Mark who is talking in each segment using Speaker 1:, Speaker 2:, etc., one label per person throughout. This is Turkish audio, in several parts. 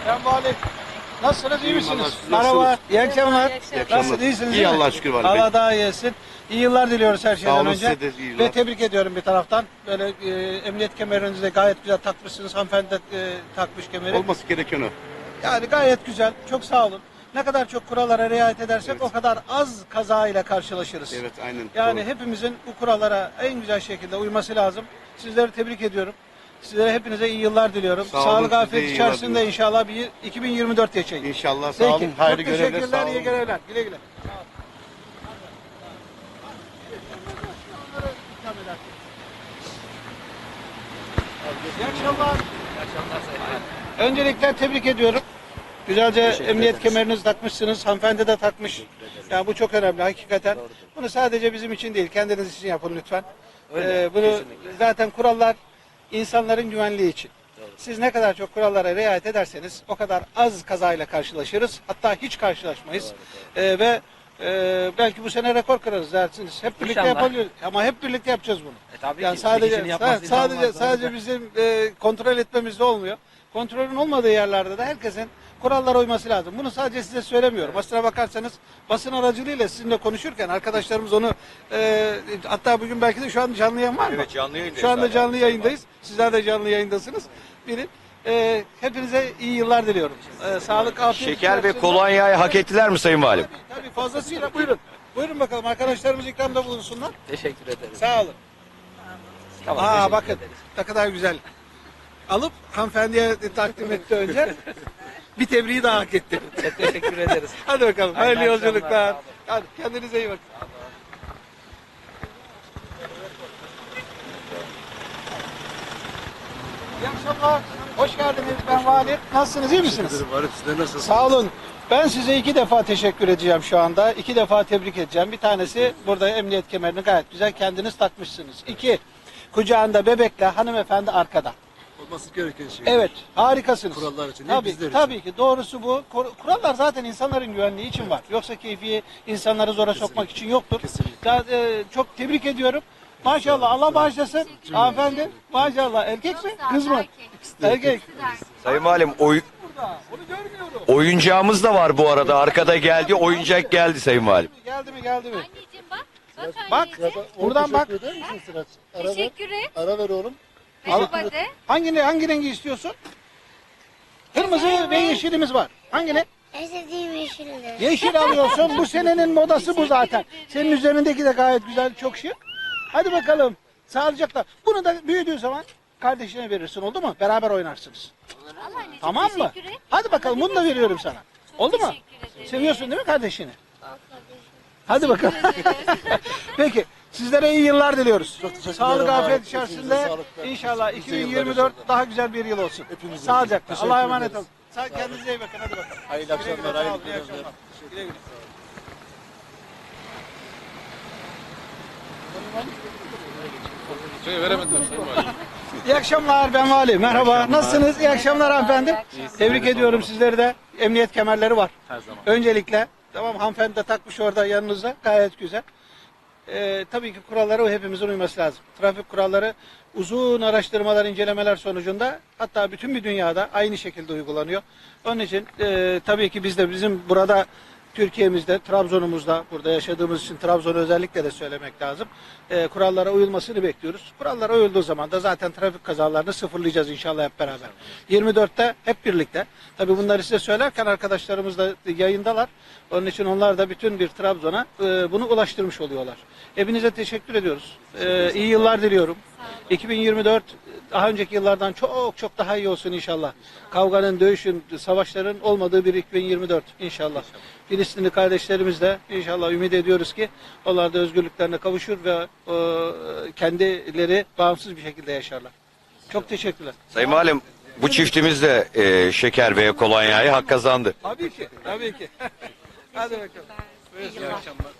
Speaker 1: Ben Vali. Nasılsınız, iyi misiniz?
Speaker 2: Nasılsınız?
Speaker 1: Merhaba, iyi akşamlar.
Speaker 2: İyi akşamlar.
Speaker 1: Nasılsınız, iyisiniz?
Speaker 2: İyi Allah'a şükür Vali Bey.
Speaker 1: Allah daha iyi etsin. İyi yıllar diliyoruz her şeyden
Speaker 2: olun,
Speaker 1: önce.
Speaker 2: size de iyi yıllar.
Speaker 1: Ve tebrik ediyorum bir taraftan. Böyle emniyet kemerinizi de gayet güzel takmışsınız. Hanımefendi de takmış kemeri.
Speaker 2: Olması gereken o.
Speaker 1: Yani gayet güzel. Çok sağ olun. Ne kadar çok kurallara riayet edersek o kadar az kaza ile karşılaşırız.
Speaker 2: Evet, aynen.
Speaker 1: Yani
Speaker 2: Doğru.
Speaker 1: hepimizin bu kurallara en güzel şekilde uyması lazım. Sizleri tebrik ediyorum. Sizlere hepinize iyi yıllar diliyorum.
Speaker 2: Sağ olun,
Speaker 1: Sağlık,
Speaker 2: siz de
Speaker 1: afiyet
Speaker 2: iyi yıllar
Speaker 1: içerisinde
Speaker 2: diliyorum.
Speaker 1: inşallah bir 2024 yaşayın.
Speaker 2: İnşallah, sağ
Speaker 1: Peki.
Speaker 2: olun. Hayırlı
Speaker 1: Çok
Speaker 2: görevler, sağ
Speaker 1: teşekkürler,
Speaker 2: olun.
Speaker 1: iyi görevler. Güle güle. İyi akşamlar. Öncelikle tebrik ediyorum. Güzelce emniyet kemerinizi takmışsınız. Hanımefendi de takmış. Yani bu çok önemli hakikaten. Bunu sadece bizim için değil, kendiniz için yapın lütfen. Bunu zaten kurallar insanların güvenliği için. Siz ne kadar çok kurallara riayet ederseniz o kadar az kazayla karşılaşırız. Hatta hiç karşılaşmayız. Belki bu sene rekor kırarız dersiniz. Hep birlikte
Speaker 3: İnşallah.
Speaker 1: yapabiliriz. Ama hep birlikte yapacağız bunu.
Speaker 3: Tabii
Speaker 1: Yani
Speaker 3: ki.
Speaker 1: sadece bizim kontrol etmemizde olmuyor. Kontrolün olmadığı yerlerde de herkesin kurallara uyması lazım. Bunu sadece size söylemiyorum. Aslına bakarsanız basın aracılığıyla sizinle konuşurken arkadaşlarımız onu hatta bugün belki de şu an canlı yayın var mı?
Speaker 3: Evet, canlı yayındayız.
Speaker 1: Şu anda
Speaker 3: hala.
Speaker 1: canlı yayındayız. Sizler de canlı yayındasınız. Bilin. Hepinize iyi yıllar diliyorum. Sağlık, afiyet.
Speaker 3: Şeker ve
Speaker 1: içerisinde-
Speaker 3: kolonyayı hak ettiler mi Sayın Valim?
Speaker 1: Tabii fazlasıyla buyurun. Buyurun bakalım arkadaşlarımız ikramda bulunsunlar.
Speaker 3: Teşekkür ederiz.
Speaker 1: Sağ olun.
Speaker 3: Tamam,
Speaker 1: Aa
Speaker 3: teşekkür
Speaker 1: bakın
Speaker 3: ederiz.
Speaker 1: ne kadar güzel. Alıp hanımefendiye takdim etti önce. Bir tebriği daha hak etti.
Speaker 3: Çok teşekkür ederiz.
Speaker 1: Hadi bakalım. Hayırlı
Speaker 3: Hayırlı akşamlar,
Speaker 1: yolculuklar.
Speaker 3: sağ olun.
Speaker 1: Hadi kendinize iyi bakın. İyi akşamlar. Hoş geldiniz. Ben Vali. Nasılsınız? İyi misiniz?
Speaker 4: Sizler nasılsınız?
Speaker 1: Sağ olun. Ben size 2 defa teşekkür edeceğim şu anda. 2 defa tebrik edeceğim. Bir tanesi burada emniyet kemerini gayet güzel kendiniz takmışsınız. 2, kucağında bebekle hanımefendi arkada.
Speaker 4: Olması gereken şey.
Speaker 1: Evet, harikasınız.
Speaker 4: Kurallar için değil,
Speaker 1: tabii,
Speaker 4: bizler için.
Speaker 1: tabii ki doğrusu bu. Kurallar zaten insanların güvenliği için var. Yoksa keyfi insanları zora sokmak için yoktur.
Speaker 4: Kesinlikle.
Speaker 1: Çok tebrik ediyorum. Maşallah Allah bağışlasın. Hanımefendi maşallah erkek mi kız mı? Erkek.
Speaker 3: Sayın Valim
Speaker 1: Burada. Onu görmüyorum.
Speaker 3: oyuncağımız da var bu arada. Arkada geldi. Oyuncak geldi Sayın Valim.
Speaker 1: Geldi mi geldi mi?
Speaker 5: Anneciğim bak. Bak
Speaker 1: Bak.
Speaker 5: anneciğim.
Speaker 1: Buradan bak.
Speaker 4: Teşekkür eder misin Sıraç? Ara ver.
Speaker 5: Teşekkür et.
Speaker 4: Ara ver oğlum.
Speaker 5: Merhaba de.
Speaker 1: Hangi rengi istiyorsun? Kırmızı ve yeşilimiz var. Hangini?
Speaker 6: İstediğim yeşildir.
Speaker 1: Yeşil alıyorsun. Bu senenin modası bu zaten. Senin üzerindeki de gayet güzel, çok şık. Hadi bakalım. Sağlıcakla. Bunu da büyüdüğü zaman kardeşine verirsin, oldu mu? Beraber oynarsınız.
Speaker 5: Al anneciğim.
Speaker 1: Tamam mı?
Speaker 5: Teşekkür et.
Speaker 1: Hadi bakalım bunu da veriyorum sana. Oldu mu?
Speaker 5: Teşekkür ederim.
Speaker 1: Seviyorsun değil mi kardeşini?
Speaker 6: Al kardeşim.
Speaker 1: Hadi bakalım. Peki. Sizlere iyi yıllar diliyoruz.
Speaker 4: teşekkürler.
Speaker 1: Sağlık, afiyet
Speaker 4: Hepinize
Speaker 1: içerisinde
Speaker 4: sağlıklar.
Speaker 1: inşallah
Speaker 4: Nice yıllar
Speaker 1: 2024
Speaker 4: inşallah.
Speaker 1: daha güzel bir yıl olsun.
Speaker 4: Hepimize.
Speaker 1: Sağlıcakla.
Speaker 4: Teşekkür
Speaker 1: Allah'a emanet
Speaker 4: ederiz.
Speaker 1: olun. Kendinize iyi bakın. Hadi bakalım.
Speaker 4: Hayırlı akşamlar,
Speaker 1: Güle güle,
Speaker 4: hayırlı
Speaker 1: sağ olun, iyi
Speaker 4: günler.
Speaker 1: akşamlar. Güle güle. İyi akşamlar, ben Vali. Merhaba. Nasılsınız? İyi akşamlar hanımefendi. Tebrik ediyorum sizleri de. Emniyet kemerleri var. Her zaman. Öncelikle. Tamam, hanımefendi de takmış orada yanınızda. Gayet güzel. Tabii ki kurallara hepimizin uyması lazım. Trafik kuralları uzun araştırmalar, incelemeler sonucunda hatta bütün bir dünyada aynı şekilde uygulanıyor. Onun için tabii ki biz de bizim burada Türkiye'mizde, Trabzon'umuzda, burada yaşadığımız için Trabzon'u özellikle de söylemek lazım. Kurallara uyulmasını bekliyoruz. Kurallara uyulduğu zaman da zaten trafik kazalarını sıfırlayacağız inşallah hep beraber. 24'te hep birlikte. Tabii bunları size söylerken arkadaşlarımız da yayındalar. Onun için onlar da bütün bir Trabzon'a bunu ulaştırmış oluyorlar. Hepinize teşekkür ediyoruz. İyi yıllar diliyorum. 2024 daha önceki yıllardan çok çok daha iyi olsun inşallah. Kavganın, dövüşün, savaşların olmadığı bir 2024 inşallah. Filistinli kardeşlerimiz de inşallah ümit ediyoruz ki onlar da özgürlüklerine kavuşur ve kendileri bağımsız bir şekilde yaşarlar. Çok teşekkürler.
Speaker 3: Sayın Valim bu çiftimiz de şeker ve kolonyayı hak kazandı.
Speaker 1: Tabii ki, tabii ki. Hadi bakalım. Buyurun, iyi akşamlar.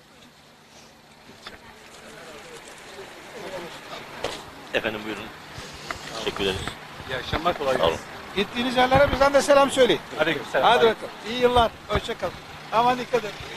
Speaker 7: Efendim buyurun. Teşekkür ederiz.
Speaker 1: İyi akşamlar, kolay
Speaker 7: Sağ olun.
Speaker 1: Gittiğiniz yerlere bizden de selam söyleyin.
Speaker 7: Aleykümselam.
Speaker 1: Hadi bakalım. İyi yıllar. Hoşça kalın. Aman dikkat edin.